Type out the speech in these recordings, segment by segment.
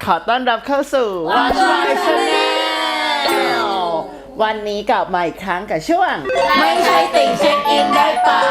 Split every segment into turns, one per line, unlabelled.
ขอต้อนรับเข้าสู่ Watch My Channel วันนี้กลับมาอีกครั้งกับช่วงไม่ใช่ติ่งเช็คอินได้เปล่า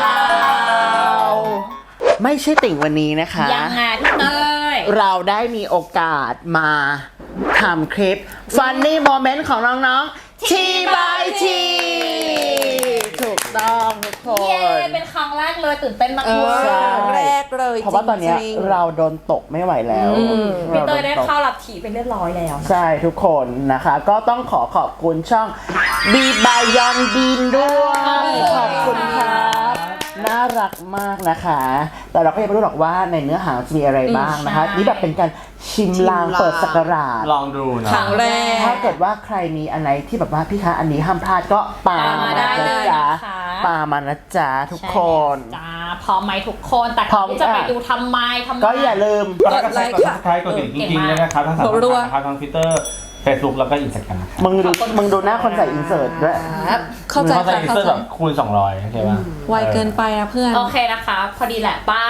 ไม่ใช่ติ่งวันนี้นะคะ
ยังไงพี่เต้ย
เราได้มีโอกาสมาทำคลิป Funny Moment ของน้องๆ ทีบายทีถูกต้องทุกคน
เย้เป็นครั้งแรกเลยตื่นเต้นมากเลย
ใช่
แรกเลย
เพราะว่าตอนเนี้ยเราโดนตกไม่ไหวแล้ว
พี่เต้ยได้เข้ารับถีเป็นเรียบร้อยแล้วนะ
ใช่ทุกคนนะคะ ก็ต้องขอบคุณช่อง บีบายอนบีนด้วยขอบคุณครับน่ารักมากนะคะ แต่เราก็ยังไม่รู้หรอกว่าในเนื้อหาจะมีอะไรบ้างนะคะ นี่แบบเป็นการชิมลางเปิดสักราช
ลองดูนะ
ครั้งแรก
ถ้าเกิดว่าใครมีอันไหนที่แบบว่าพี่คะอันนี้ห้ามพลาดก็ปามา
ได้
นะ
เลย
จ๊ะ
นะคะ
ปามานะจ๊ะทุกคน
จ้าพร้อมไหมทุกคนแต่
พร้อม
ที่จะไป
ค่ะ
ดูทำไม
ก็อย่าลืม
กดไลค์กด subscribe กดติดจริงๆด้วยนะครับทั้งสามช่องทางนะครับทั้ง Twitter Facebook แล้วก็ Instagram นะครับ
มึงดูหน้าคนใส่อินเสิร์ตด้วย
เข้าใจ
เข้าใจ
ค่ะ
อิน
เข้า
เตอร์
ใจ
แบบคูณ200โอเคป่ะ
ไวเกินไปนะเพื่อน
โอเคนะคะ พอดีแหละป้า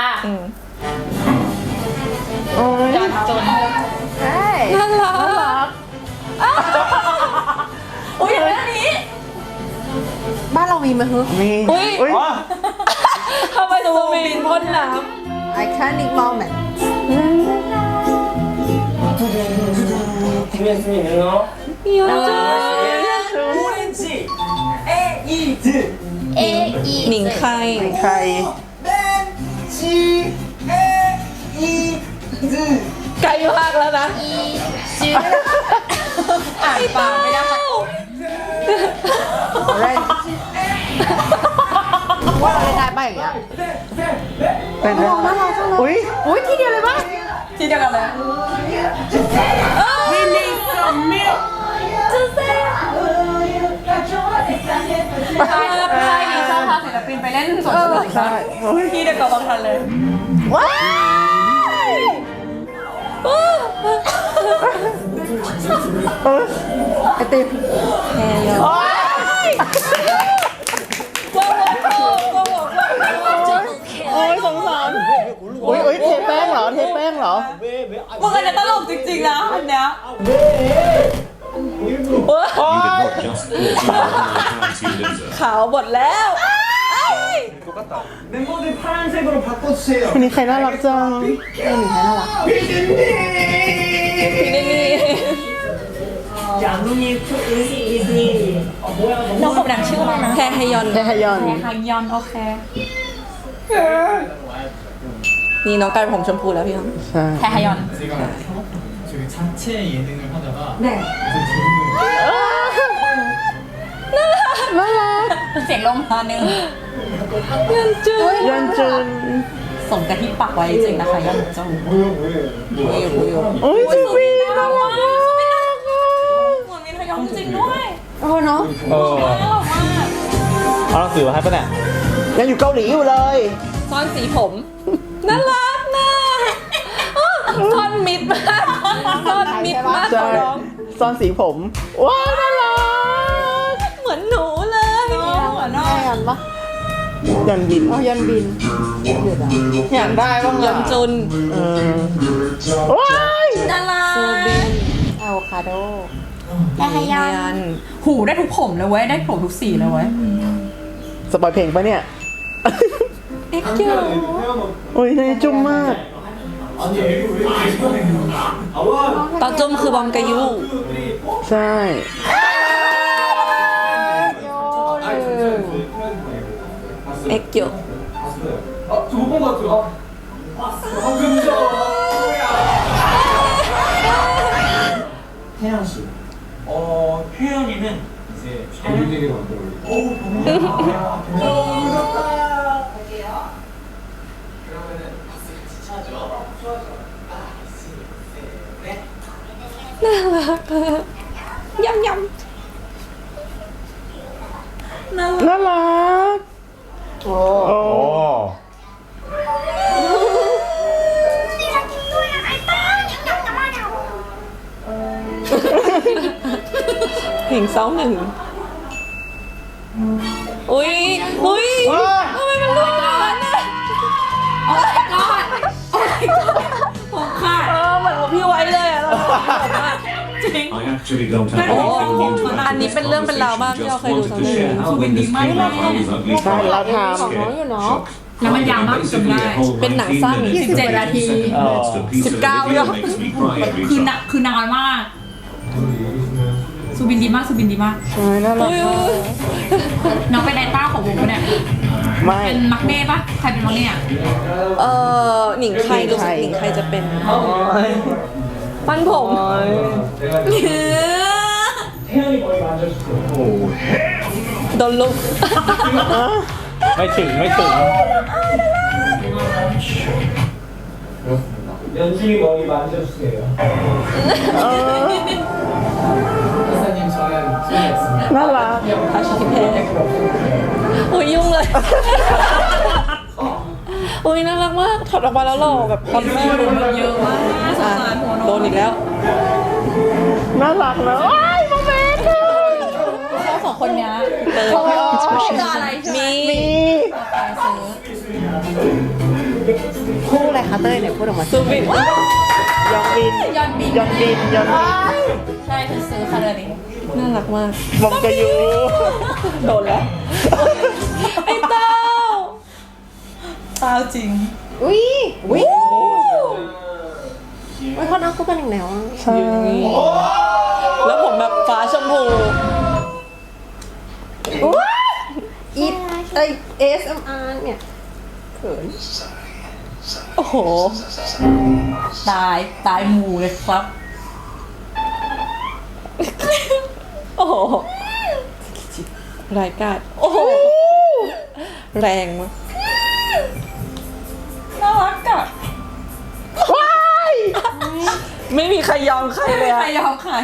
โอ้ย
จอนจน
น่ารัก
อุ้ยเรื่องนี้
บ้านเรามีไหมฮึ
มี
อุ๊ย
อุ๊ย
อ๋อ
ทำไมซูบินพ่นน้
Iconic moment.
ำเยอะจัง
เออี
หนิงใคร
ใคร
ไกลมากแล้วนะ
อีจื้ออ่านปากไม่ได้
Orange. ว่าเราได้ป่ะอย่างเงี้ย
เป็นอุ้ย
อุ้ยทีเดียวเลยป่ะ
ที่เดียวกันเลย
ใช่ดีชอบพาศิลปินไปเล่นสวนสนุก
ใช่โอ้ย
ที่เดียวกับบางทันเลย
ว้าย
ไอติม
แฮยอน
โอ้ยโอ้ยสงสารอุ้ยอุ้ยเทแป้งเหรอ เทแป้งเหรอ
มึงอันนี้ตลกจริงๆนะอันเนี้ย ขาวหมดแล้ว
멤버들 파란색으로 바꿔주세요.
วันนี้ใครน่ารักจัง
น้องผมดังชื่ออะไรนะ
แฮฮยอน
เทฮยอน
ฮายอนโอเค
นี่น้องกลายเป็นผมชมพูแล้วพี่ครับ
ใช่
แฮฮายอน
제가 저기 자체 예능을 하다가
น่ารัก
เสียงลมมาหนึ่ง
ยันจุน
สมกับที่ปักไว้จริงนะคะยันจง
โอ้ยจิวีน่ารักมาก
เหมือนมีทยองจริงด้วย
โอ้เนาะ
เออเอาหนังสือมาให้ป่ะเนี่ย
ยังอยู่เกาหลีอยู่เลย
ซ่อนสีผม น่ารักนะซ่อนมิดมากซ่อนมิดมาก
ใช่
น้อง
ซ่อนสีผม ว้าวน่ารัก
เหมือนหนูเลย
เหมือนน้อง
แม่ยันปะ
ยันบิน
เอายันบิน
อยากได้บ้าง
ยอนจุน
เออว้าย
น่ารัก
ซูบิน
อะโวคาโด
แฮฮายอน หูได้ทุกผมเลยเว้ยได้ผมทุกสีเลยเว้ย
สปอยเพลงปะเนี่ย
เอ็กคิว
โอ้ยน่าจุ่มมาก
아니 이거 왜 이렇게 아와
ตอนจุมคือบอมกายู
ใช่
เอ็กยู
저못본 것 같아요. 그죠? 태양 씨. 태연이는 이제 정윤이를 만들어요. 어우 너무 무섭다. 그러면은 박수 같이 쳐줘. 좋아져.
น่ารักยำย
น่ารัก โอ้
โอ้
ำเพลงเศร้าหนึ่ง อุ้ยอุ้ยทำไมมันลุกขนาดนั้นน่ะ
โอ้ my god โอ้ my god ผมขาด
เหมือนว่าพี่ไว้เลยอะเรา
จริง
I actually don't have
Oh,
anything new to add
อันนี้เป็นเรื่องเป็นราวมากที่เราเคยดูทั้งเรื่อง
how horrendous came out I was ugly
ใช่เราท
ของน้องอยู่เนาะ
แล้วมันยาวมากจนได้
เป็นหนังสั้น
17 นาที
19
คือนานมาก สุบินดีมากสุบินดีมาก
ำเออน่ารัก
อุ้ย
มาก
น้องเป็นไดต้าของวงปะเนี่ย
ไม่
เป็นมักเน่ปะใครเป็นมักเน่อะ
หนิงใครรู้สึกหนิงใครจะเป็นฟันผม
태연이 머리 만져주세요.
โดนลุก
ไม่ถึง
연준이 머리 만져주세요. 이사님 저는 준비했습니다.
น่ารัก
อาชีพแพ้อุ้ยยุ่งเลย อุ้ยน่ารักมากถอดออกมาแล้วหล่อแบบคอนเนอร์
เยอะมากสงสารหัวน้อง
โดนอีกแล้ว
น่ารักนะว้ายโมเมนต์เลย
เขาสองคนเนี้ย
เติม
จะอะไรใช่ไหม
มี
คู่อะไรคะเต้ยเนี่ยพูดออกมา
ซูบิน
ยองบิน
ยอนบิน
ยองบินยองบิน
ใช่คือซื้อค่ะเรื่องนี้
น่ารักมาก
มงกะยู
โดนแล้ว ไอ้เต้า
ตาจริง
อุ้ยไม่เขานั่งคู่กันอีกแล้วอะ
ใช่
แล้วผมแบบฟ้าชมพู
อีฟASMR เนี่ยเขิน
โอ้โห
ตายหมู่เลยครับ
โอ้โหรายการโอ้โห แรงมาก
น่ารักอะ
ไม่มีใครยอมใครเลย
ใคร
อะ
ยอมใคร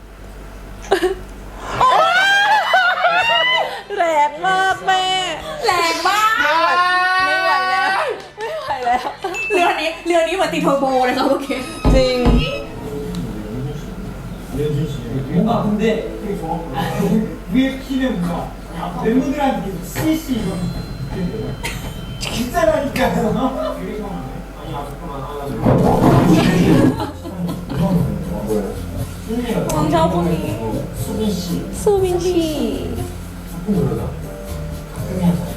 แรงมากแม่
แรงมาก
ไม่ไหวแล้ว ไม่ไหวแล้ว
เรือนี้เหมือนติดเทอร์โบเลยครับโอเค
จริง
뭔가 근데 위에 키는 뭔가 멤버들한테 CC 이런 진짜라니까요. 아니 잠깐만
저 분이.
수빈 씨
ซูบินชี
작품 노래다. 가끔이야 사실.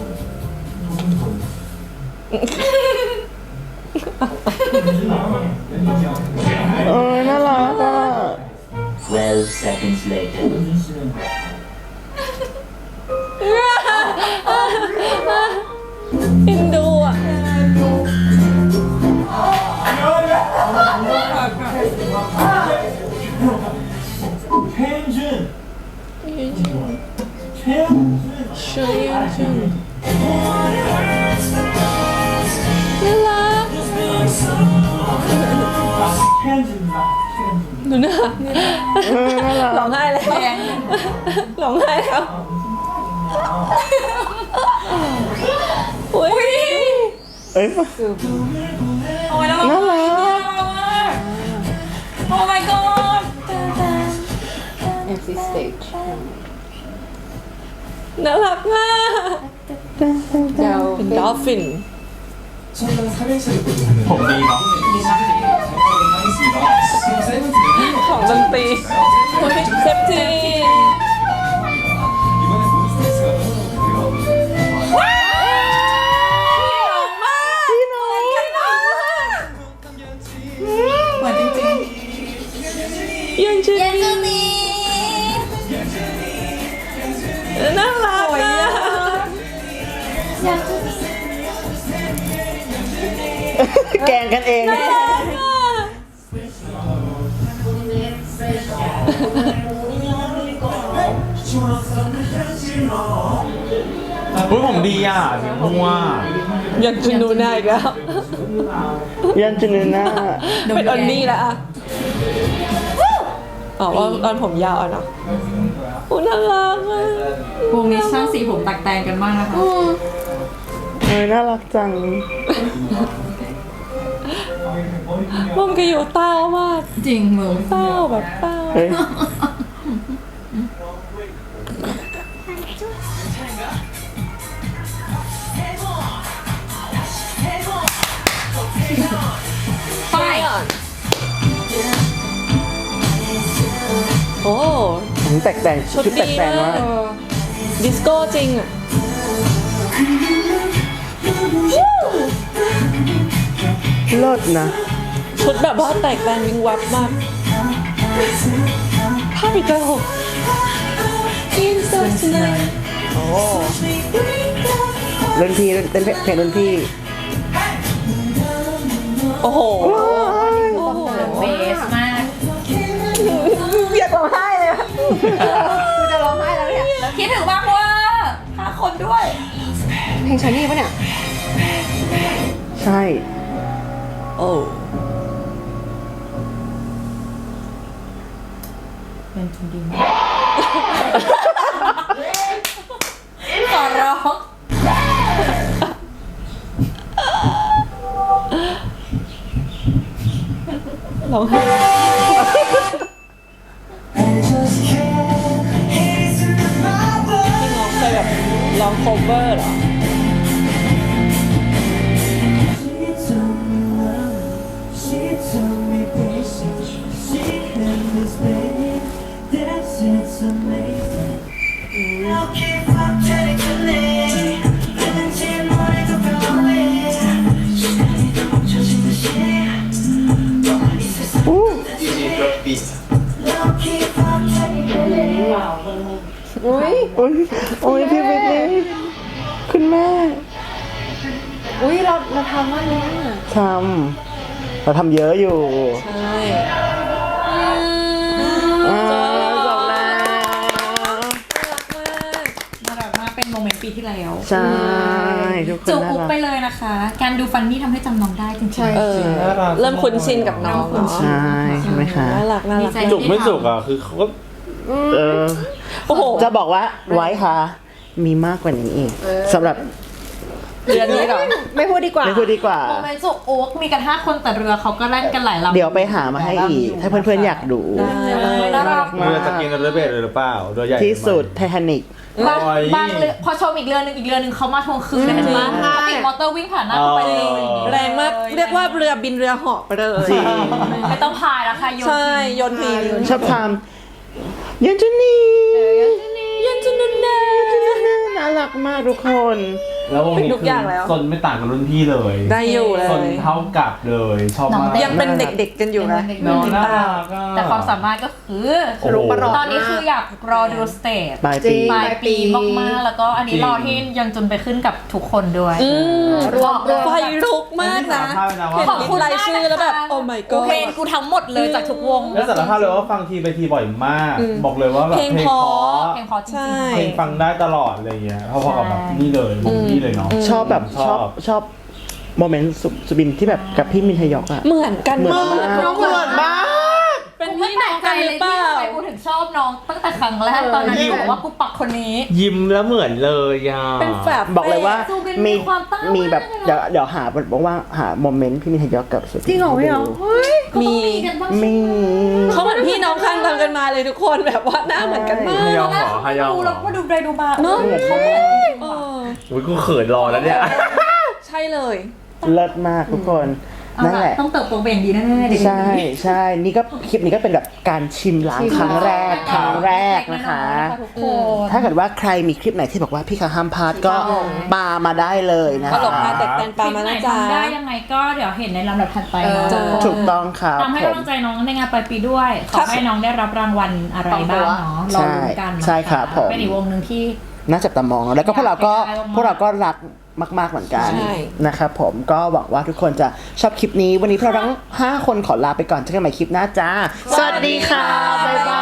도전
เออน่ารักอ่ะ
12 seconds later.
연준 씨는
เอ็นดูอ่ะ
최현준. 최현준.
ชื่อชื่อน่ารัก
최현준입니다. 최현준.
ดูหน้าร้องไห้แล้วร้องไห้แล้วอุ้ย
เอ้ย
โอ้ยน่า
น่า
รั
รั
ก
ก
โอ้ my god
MC Stage
น่ารักมาก
เดี๋ยว
เป็นดอลฟิน
저는 삼행시를 보는데
ผมดีเนาะ
하겠습니다.
ของดนตรีเซฟที
이번엔 몬스터스가 너무
เหมือนจริง
ยันชื่อนี้น่ารักอ่ะ
แกล้งกันเอง
น่ารักอ่ะ
อุ้ยผมดีอ่ะสีม่วง
ยันชื่อนูน่าอีกแล้ว
ยันจุนน่า
เป็นออนนี่แล้วอ่ะอ๋อตอนผมยาวอ่ะเนาะโอ้น่ารักอ่ะ
ๆวงนี้ช่างสีผมแตกแต่งกันมากนะคะ
เออน่ารักจัง
มันก็อยู่เต้ามาก
จริงมึง
เต้าแบบเต้า
เฮ้ย
ไป
โอ้
แตกแต่ง
ชุด
ชุดแต
ดี
กแต่ง
มาก
มาก
ดิสโก้จริงอ่ะ
เลิศนะ
ชุดแบบว่าแตกแต่งวิงวับมากภาพอีกแล้วโอ้
รุ่นพี่เต้นเพลงรุ่นพี่
โอ้โห
เบสมาก
อยากร้องไห้เลยอะคือจะร้องไห้แล้วเนี่ย
คิดถึงมากว่า5 คนด้วย
เพลงชายนี่ปะเนี่ย
ใช่
โอ้
เป็นทุนดีมากขอร้อง
ร้องไห้พี่น้องเคยแบบร้องโคเวอร์เหรอ
อุ้ย
โอ้ยโอ้ยพี่วิทนี่คุณแม่
อุ้ยเราทำว่านี้
ทำเราทำเยอะอยู่
ใช่
อ่าจบแล้ว
น่ารักมากเป็นโมเมนต์ปีที่แล้ว
ใช่ทุกคน
จูบ
น่า
อุ๊บ
รัก
ไปเลยนะคะ การดูฟันนี่ทำให้จำน้องได้จริงๆ
เออ เริ่มคุ้นชินกับน้องเนาะ
ใช่ใช่ไหมคะ
น่ารักน่ารัก
ดีใจ
จุกไม่จุกอ่ะคือเขาก็
เออ
โอ้โห
จะบอกว่าไว้ค่ะ มีมากกว่านี้อีกสำหรับ
เดือนนี้เหรอ
ไม่พูดดีกว่า
ไม่พูดดีกว่า
โมเมนต์จูบอุ๊บมีกัน5 คนแต่เรือเขาก็แล่นกันหลายลำ
เดี๋ยวไปหามาให้อีก ถ้าเพื่อนๆอยากดู
น่ารัก
เรือจะกินเรือเบสเลยหรือเปล่าเรือใหญ่
ที่สุดไททานิก
บางเรือพอชมอีกเรือหนึงเขามาทวงคืนเห็นไหมเขาติดมอเตอร์วิ่งผ่านหน้าเขาไปเลย
แรงมาก เรียกว่าเรือบินเรือเหาะไปเลย
จริง
ไม่ต้องพายแล้วค่ะโยน
ใช่โยนที
ชอบทำยันจุนี
ยันจุนุนเน
น่ารักมากทุกคน
แล้ววงนี้
เป็นทุกอย่างแล้ว
ซนไม่ต่างกับรุ่นพี่เลย
ได้อยู่เล
ซน
ย
เท่ากับเลยชอบมาก
ยังเป็นเด็กๆกันอยู่นะ
น้องน่ารักอะ
แต่ความสามารถก็คือ
โอ้โห
ตอนนี้คืออยากรอดูสเตจ
ปลาย
จริ
ปี
ง
ปลายปีมากๆ แล้วก็อันนี้รอที่ยังจนไปขึ้นกับทุกคนด้วย
รวม
ไฟลุกมากนะ
เห็น
ขอบคุณ
รายชื่อแล้วแบบ โอ้ my god
เพลงกูทั้งหมดเลยจากทุกวง
แล้วสารภาพเลยว่าฟังทีไปทีบ่อยมาก บอกเลยว่าแบบ
เพลง
เพลง
เพ
เพ
ราะ
ราะ
เพลงเพอจริ
ใช่
ง
เพลงฟังได้ตลอดอะไรเงี้ยพอๆกับแบบนี่เลยวงนี่เลยเนาะ
ชอบแบบชอบโมเมนต์สุบินที่แบบกับพี่มินทยอกอะ
เหมือนกัน
เหมือน
มาก
มาก
เหมือนมาก
เป็น
ๆไม่
พี่
แปล
น้อง
กใจ
กันห
เล
รื
ย
อเป
ที่
ล่า
ทำไมกูถึงชอบน้องตั้งแต่ครั้งแรกตอนนั้นกูบอกว่ากูปักคนนี้
ยิ้มแล้วเหมือนเลยอ่ะ
เป็นแฝด
บอกเลยว่า
ซูบิน
มี
มีความตั้ง
มีแบบ
มากเลย
เดี๋ยวหาบอกว่าหาโมเมนต์พี่มินทยอกกับสุบิน
จริงเหรอพี่เหรอเฮ้ย
ก็ต้องมีกันบ้าง
มี
เขาเหมือนพี่น้องข้างทำกันมาเลยทุกคนแบบว่าหน้าเหมือนกันมาก
ฮายองเหรอฮายอง
ดู
เหร
แล้ว
อ
ก็ดูไปดูมา
เนอะ
เขาเหมือนจริง
เอ
ๆว่ะ
อ
อุ้ยกูเขินรอแล้วเนี่ย
ใช่เลย
เลิศมากทุกคน
เอา
นั่น
ล่ะ
แหละ
ต้องเติบโตเป็นอย่างดีแน่ๆเด็กๆ
ใช่ใช่นี่ก็คลิปนี้ก็เป็นแบบการชิมล้างครั้งแรกนะคะ
ทุกคน
ถ้าเกิดว่าใครมีคลิปไหนที่บอกว่าพี่คะห้ามพลาดก็ปามาได้เลยนะ
ตลก
คะ
มาแตกแตนปลามานะจ๊ะ
คลิปไหนทำได้ยังไงก็เดี๋ยวเห็นในลำดับถัดไปเนาะ
เออ
ถูกต้องครับ
ตามให้
ผม
กำลังใจน้องในงานปลายปีด้วย ขอให้น้องได้รับรางวัลอะไรบ้างเนาะรอลุ้นกันนะคะ
ใช่ครับผม
เป็นอีกวงหนึ่งที่
น่าจับตามองแล้วก็พวกเราก็
อยากให้ได้มากๆ
พวกเราก็รักมากๆเหมือนกัน
ใช่
นะครับผมก็หวังว่าทุกคนจะชอบคลิปนี้วันนี้พวกเราทั้ง5คนขอลาไปก่อนเจอกันใหม่คลิปหน้าจ้า สวัสดีค่ะบ๊ายบาย